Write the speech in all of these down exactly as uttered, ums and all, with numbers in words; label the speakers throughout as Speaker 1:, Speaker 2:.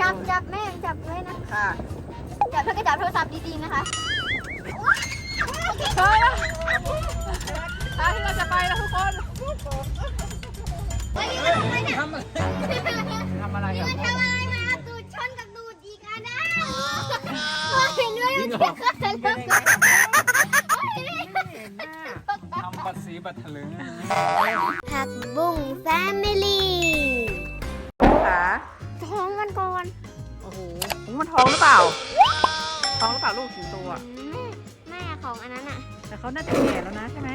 Speaker 1: จับจับแม่จับไว้นะค่ะจับเพื่อก็จับโทรศัพท์ดีๆนะคะ
Speaker 2: ใช่แล้วทางที่เราจะไปแล้วทุกคน
Speaker 1: ทำอะไร
Speaker 2: ทำอะไรกัน
Speaker 1: มันทำอะไรมาตูดชนกับตูดอีกอันนะเห็นด้วยมันจะเกิดอะไร
Speaker 2: ทำปัดสีปัดถลึง
Speaker 1: ผักบุ้งแฟมิลี่
Speaker 2: ขา
Speaker 1: ท้องมันก่อน
Speaker 2: โอ้โหมันท้องหรือเปล่าท้องหรือเปล่าลูกถึงตัว
Speaker 1: แม่ของอันนั้นอ่ะ
Speaker 2: แต่เขาน่าจะแก่แล้วนะใช่ไหม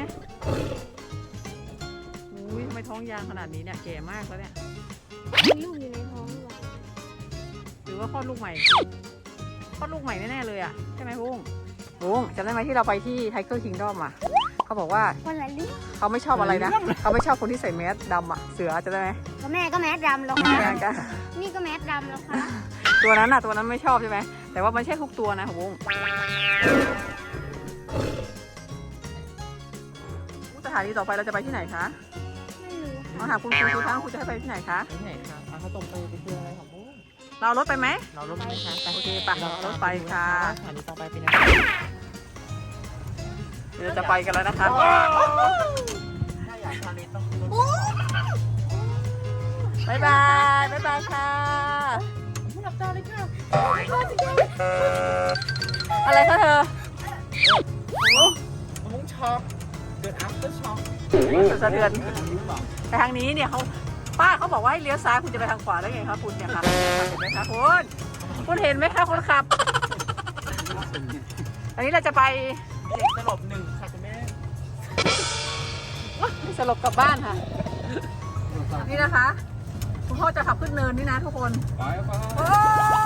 Speaker 2: อุ้ยทำไมท้องยางขนาดนี้เนี่ยแก่มากแล้วเนี่ย
Speaker 1: มีลูกอยู่ในท้องหรือเปล่า
Speaker 2: หรือว่าคลอดลูกใหม่คลอดลูกใหม่แน่ๆเลยอ่ะใช่ไหมบุ้งบุ้งจำได้ไหมที่เราไปที่ไทเกอร์คิงดอมอ่ะเขาบอกว่า
Speaker 1: คนละเรื่อง
Speaker 2: เขาไม่ชอบอะไรนะเขาไม่ชอบคนที่ใส่แมสดำอ่ะเสือจะได้ไหม
Speaker 1: ก็แม่ก็แมสดำแล้วค่ะนี่ก็แมสดำแล้วค่ะ
Speaker 2: ตัวนั้นอ่ะตัวนั้นไม่ชอบใช่ไหมแต่ว่ามันใช่ทุกตัวนะของบุ้งสถานีต่อไปเราจะไปที่ไหนคะ
Speaker 1: ไม่รู้
Speaker 2: มาหาคุณครูคุณทั้งคุณจะให้ไปที่ไหนคะ
Speaker 3: ที่ไหนคะเอาข้าวต้มไปไปเที่ยวอะไรของบุ้ง
Speaker 2: เรารถไปไหม
Speaker 3: เรารถไหมคะ
Speaker 2: โอเคปะเรารถไปค่ะ
Speaker 3: สถานีต่อไปเป็นอะไร
Speaker 2: เดี๋ยวจะไปกันแล้วนะคะ
Speaker 3: ถ้าอยากทานนี้ต้อง
Speaker 2: บ๊ายบายบ๊ายบายค่ะ
Speaker 3: ผู้รับจอเลยค่ะ
Speaker 2: อะไรคะเธอ
Speaker 3: บุ้งช็อกเกิด after shock
Speaker 2: สะเทือนแต่ทางนี้เนี่ยเขาป้าเขาบอกว่าให้เลี้ยวซ้ายคุณจะไปทางขวาได้ไงคะคุณเนี่ยค่ะเห็นไหมคะคุณคุณเห็นไหมคะคนขับอันนี้เราจะไป
Speaker 3: เด็กสลบหนึ่งค่ะคุณแม่
Speaker 2: สลบกลับบ้านค่ะนี่นะคะคุณพ่อจะขับขึ้นเนินนี่นะทุกคน
Speaker 3: ไปไป
Speaker 2: โอ้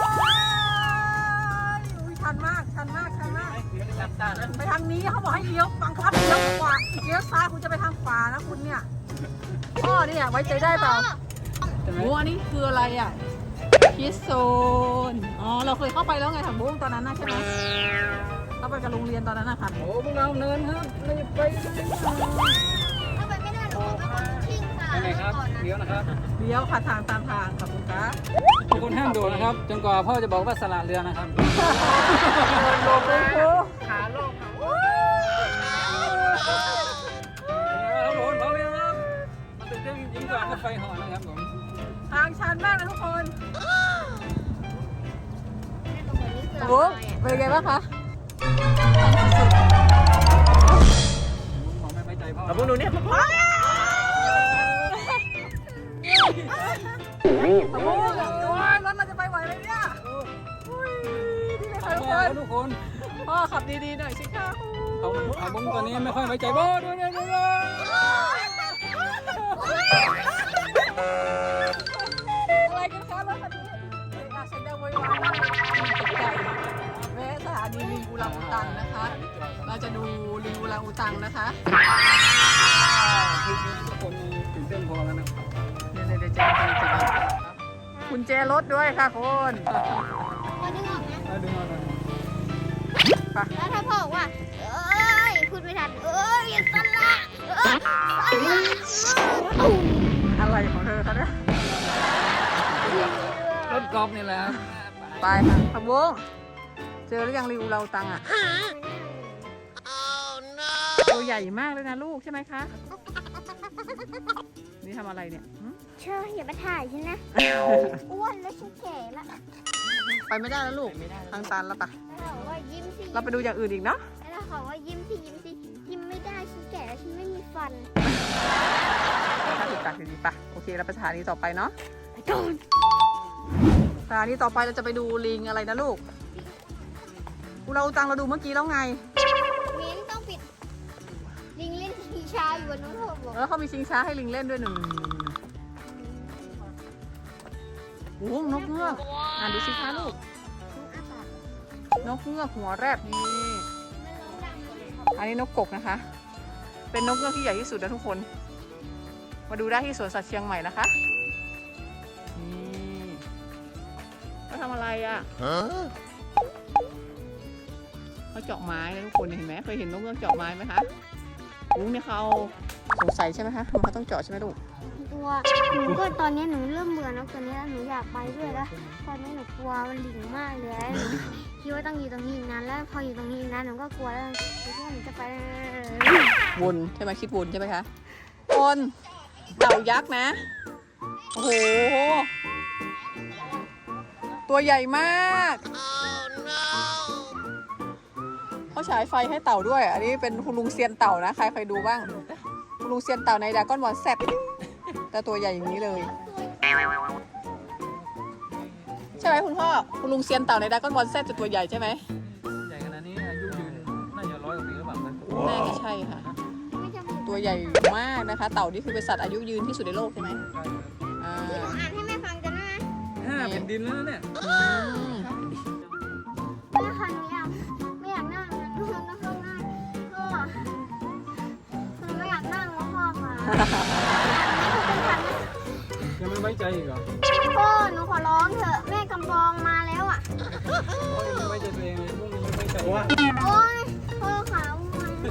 Speaker 2: ยชันมากชันมากชันมากไปทางนี้เขาบอกให้เลี้ยวบังคับเลี้ยวขวาเลี้ยวซ้ายคุณจะไปทางขวานะคุณเนี่ยพ่อเนี่ยไว้ใจได้เปล่าโอ้อันนี้คืออะไรอ่ะคิสโซนอ๋อเราเคยเข้าไปแล้วไงถังบุ้งตอนนั้นนะใช่ไหมเข้าไปกับโรงเรียนตอนนั้นนะคะ
Speaker 3: โอ้พวกเราเนินครับเราจะไป
Speaker 1: ถ้าไปไม่ได้หรอกก็ทิ้งค่ะ
Speaker 3: ไหนครับเลี้ยวนะครับ
Speaker 2: เลี้ยวค่ะทางตามทางค่ะคุณคะ
Speaker 3: ทุกคนห้ามโดดนะครับจนกว่าพ่อจะบอกว่าสละเรือนะครับ
Speaker 2: โดดเลยครู
Speaker 3: ขาลงครับผมพร้อมแล้วครับมาตื่นเต้นยิ่งกว่ารถไฟเหาะนะครับผม
Speaker 2: ทางชันมากนะทุกคนโอ้เป็นไงบ้างคะ
Speaker 3: มองไม่ไว้ใจพ่อแล้วพวกหนูเนี่ยพ่อ
Speaker 2: โอ้โหรถเราจะไปไหวไหมเนี่ยดีเลยค่ะทุกคน
Speaker 3: ทุกคน
Speaker 2: พ่อขับดีๆหน่อยสิคะ
Speaker 3: เขาเขาบุ้งตอนนี้ไม่ค่อยไว้ใจพ่อด้วยเนี่ยด้วย
Speaker 2: อะไรกันคะรถคันนี้เด็กอาเซนเดอร์ไว้ว่าตกใจแม่สถานีลิงอูรังอุตังนะคะเราจะดูลิงอูรังอุตังนะคะ
Speaker 3: ทุกคนตื่นเต้นพอแล้วนะ
Speaker 2: เดี๋ยวเดี๋ยวจะคุณแจรถด้วยค่ะคุณ
Speaker 1: พอดึงออกนะ
Speaker 3: ดึงออกเลย
Speaker 1: แล้วถ้าพ่อบอกว่าเอ้ยพูดไม่ทันเอ้ยสละเอ้ยสละ
Speaker 2: อะไรของเธอคะเนี่ย
Speaker 3: รถกอล์ฟนี่แหละ
Speaker 2: ไปค่ะขบวงเจอหรือยังริวเราตังอ่ะตัวใหญ่มากเลยนะลูกใช่ไหมคะนี่ทำอะไรเนี่ย
Speaker 1: เชื่ออย่ามาถ่ายฉันนะอ้วนแล้วฉันแก่แล้ว
Speaker 2: ไปไม่ได้แล้วลูกทางตันแล้วปะ
Speaker 1: เราว่ายิ้มสิ
Speaker 2: เราไปดูอย่างอื่นอีกเนาะ
Speaker 1: แล้วเขาว่ายิ้มสิยิ้มสิยิ้มไม่ได้ฉันแก่แล้วฉันไม่มีฟัน
Speaker 2: ถ้าถูกตัดดีๆปะโอเคเราไปสถานีต่อไปเนาะ
Speaker 1: ไปก่อน
Speaker 2: สถานีต่อไปเราจะไปดูลิงอะไรนะลูกเราตังเราดูเมื่อกี้แล้วไง
Speaker 1: มิ้นต้องปิดลิงเล่นชิงช้าอยู่บนนู้นบอก
Speaker 2: แล้วเขามีชิงช้าให้ลิงเล่นด้วยหนึ่งโอ้นกเงือกอ่านดูสิคะลูกนกเงือกหัวแรกนี่อันนี้นกกกนะคะเป็นนกเงือกที่ใหญ่ที่สุดนะทุกคนมาดูได้ที่สวนสัตว์เชียงใหม่นะคะนี่เขาทำอะไรอ่ะเขาเจาะไม้นะทุกคนเห็นไหมเคยเห็นนกเงือกเจาะไม้ไหมคะลุงเนี่ยเขาสงสัยใช่ไหมคะมันเขาต้องเจาะใช่ไหมลูก
Speaker 1: ดูลัวหนูก็ตอนนี้หนูเริ่มเบื่อนกตัวนี้แล้วหนูอยากไปด้วยแล้วตอนนี้หนูกลัวมันหลิงมากเลยหนูคิดว่าต้องอยู่ตรงนี้อีกนานแล้วพออยู่ตรงนี้อีกนานหนูก็กลัวแล้วหนูคิดว่าหนูจะไป
Speaker 2: วนใช่ไหมคิดวนใช่ไหมคะวนเต่ายักษ์นะโอ้โหตัวใหญ่มากเขาฉายไฟให้เต่าด้วยอันนี้เป็นคุณลุงเซียนเต่านะใครเคยดูบ้างคุณลุงเซียนเต่าในดราก้อนบอลแซดแต่ตัวใหญ่อย่างนี้เลยใช่ไหมคุณพ่อคุณลุงเซียนเต่าในดราก้อนบอลแซดจะตัวใหญ่ใช่ไหม
Speaker 3: ใหญ่ขนาดนี้อายุยืนน่าจะร้อยกว่าปีหรือเปล่านะ
Speaker 2: น่าจะใช่ค่ะตัวใหญ่มากนะคะเต่านี่คือเป็นสัตว์อายุยืนที่สุดในโลกใช่ไหมอ่า
Speaker 1: ที่หนูอ่านให้แม่ฟังกันนะ
Speaker 3: ห้าแผ่นดินแล้วนะเนี่ย
Speaker 2: อืม
Speaker 1: แม่ค่ะหนูอยากไม่อยากนั่งนะหนูต้องนั่งพ่อหนูไม่อยากนั่งแล้วพ่อค่ะ
Speaker 3: ยังไม่ไว้ใจอีกเหรอ
Speaker 1: พ่อหนูขอร้องเถอะแม่กำปองมาแล้วอ่ะ
Speaker 3: พ่อยังไม่ไว้ใจตัวเองเลยพวกนี้ไม่ไว้ใจว่า
Speaker 1: โอ๊ยพ่อขาว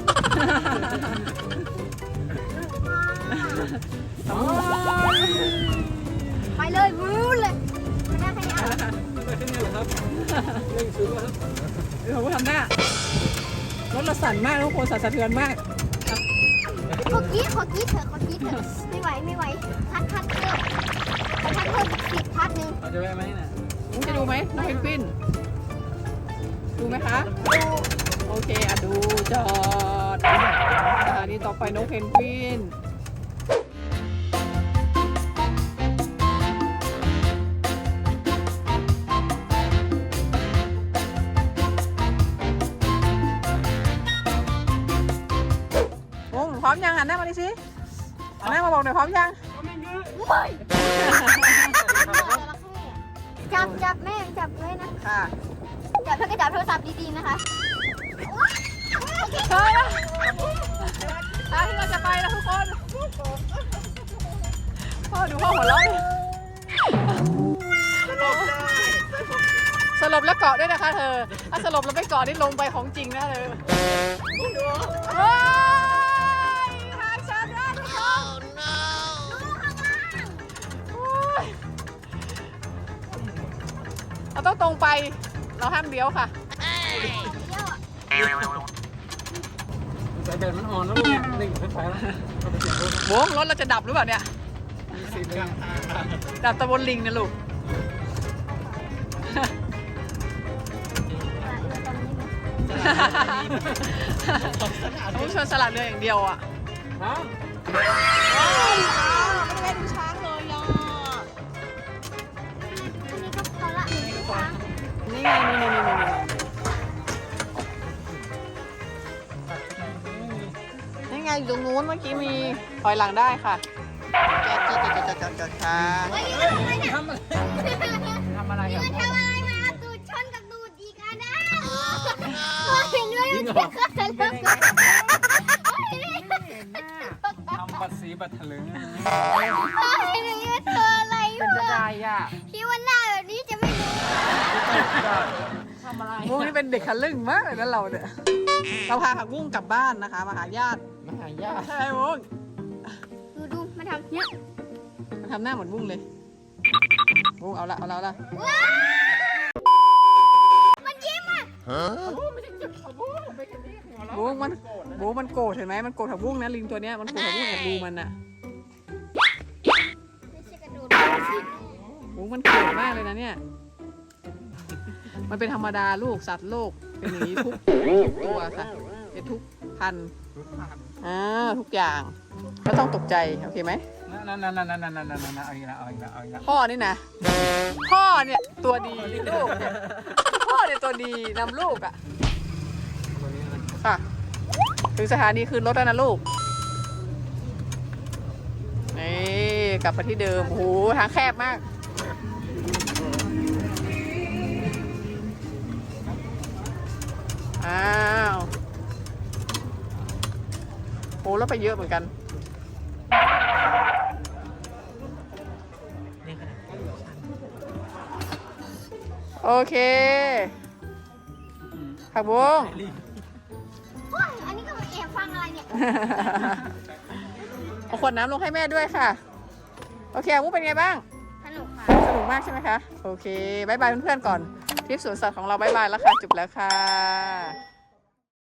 Speaker 1: ไปเลยวู้เลยไม่ได้แค่นี้อ่ะ
Speaker 3: ไม่ได้แค่นี้เหรอครับเร่งซื้อแล้วครับ
Speaker 2: เดี๋ยวผมทำหน้ารถเราสั่นมากทุกคนสั่นสะเทือนมาก
Speaker 1: ขอกี้ขอกี้เถอะขอกี้เถอะไม่ไหวไม่ไหวพัดพัดเพิ่มพัดเพิ่มสิบพัดหนึ่ง
Speaker 3: เราจะแวะไหมน่ะ
Speaker 2: มุกจะดูไหมน้องเพนกวินดูไหมคะดูโอเคอ่ะดูจอดสถานีต่อไปน้องเพนกวินโอ้พร้อมยังหันหน้ามาดิสิหันหน้ามาบอกหน่อยพร้อมยัง
Speaker 1: จับจับแม่จับเลยนะ
Speaker 2: ค่ะ
Speaker 1: จับแล้วก็จับโทรศัพท์ดีๆนะคะ
Speaker 2: เฮ้ยทางที่เราจะไปแล้วทุกคนพ่อดูพ่อหัวเราะดิสลบแล้วเกาะด้วยนะคะเธอถ้าสลบแล้วไม่เกาะนี่ลงไปของจริงนะเธอเฮ้ยทางฉันนะทุกคนเราต้องตรงไปเราห้ามเลี้ยวค่ะ
Speaker 3: สายแบตมันอ่อนแล้วเนี่ยเร่งไฟฟ้าแล้วเราไปเปลี่ยนรถ
Speaker 2: โว้งรถเราจะดับหรือเปล่าเนี่ย
Speaker 3: มีสิทธิ์กลางทาง
Speaker 2: ดับตะบนลิงนะลูก ต้องชนสลัดเรืออย่างเดียวอ่ะ
Speaker 3: ฮะ
Speaker 2: ไม่ได้ดูช้างเลยอ่ะ
Speaker 1: นี่ก็พอละนี่ก็พอละ
Speaker 2: นี่ไงนี่นี่นี่นี่นี่ไงอยู่ตรงนู้นเมื่อกี้มีถอยหลังได้ค่ะจอดจอดจอดจอดจอดค่ะ
Speaker 1: เฮ้ยนี่มันทำไมเนี่ย
Speaker 3: ทำอะไรทำอะไร
Speaker 1: นี่
Speaker 3: อ่ะ
Speaker 1: มันทำอะไรมาตูดชนกับตูดอีกอ่ะนะเห็นด้วยมันจะขึ้นแล้วก็
Speaker 3: ทำบัตรสีบัตรถลึง
Speaker 1: เห็นด้วยเธออะไร
Speaker 2: เป็นจะ
Speaker 1: วะ
Speaker 2: ได้อ่ะ
Speaker 1: คิดว่าหน้าแบบนี้จะไม่รู้
Speaker 2: ทำอะไรพวกนี้เป็นเด็กขลึ่งมากเลยนะเราเนี่ยเราพาผักบุ้งกลับบ้านนะคะมาหาญาติ
Speaker 3: มาหายาก
Speaker 2: ใช่ไหมบุ้ง
Speaker 1: ดูดูมาทำเนี้ย
Speaker 2: มันทำหน้าเหมือนบุ้งเลยบุ้งเอาละเอาละเอาละ
Speaker 1: ว้าวมันยิ้มอ่ะ
Speaker 2: บุ้งมันบุ้งมันโกรธเห็นไหมมันโกรธผักบุ้งนะลิงตัวเนี้ยมันโกรธผักบุ้งแอบดูมันน่ะ
Speaker 1: ไม่ใช่กระโดด
Speaker 2: บุ้งมันโกรธมากเลยนะเนี่ยมันเป็นธรรมดาลูกสัตว์โลกเป็นอย่างนี้ทุกตัวค่ะเป็นทุกพันธุ์อ่าทุกอย่างก็ต้องตกใจโอเคไหม
Speaker 3: นั่นนั่นนั่นนั่นนั่นนั่นนั่นเอาอีกแล้วเอาอีกแล้วเอาอีกแล้ว
Speaker 2: พ่อนี่นะพ่อเนี่ยตัวดีลูกเนี่ยพ่อเนี่ยตัวดีนำลูกอ่ะ
Speaker 3: ตัวนี้นะ
Speaker 2: ค่ะถึงสถานีคืนรถแล้วนะลูกนี่กลับมาที่เดิมโอ้โหทางแคบมากอ้าวโอ้แล้วไปเยอะเหมือนกันโอเคผักบุ้ง
Speaker 1: โอ้ยอันนี้ก็มาแอบฟังอะไรเนี่ย
Speaker 2: เอาขวดน้ำลงให้แม่ด้วยค่ะโอเคอาวุเป็นไงบ้าง
Speaker 1: สนุกค่ะ
Speaker 2: สนุกมากใช่ไหมคะ โอเคบายบายเพื่อนๆก่อนทริปสวนสัตว์ของเราบายบายแล้วค่ะ จบแล้วค่ะ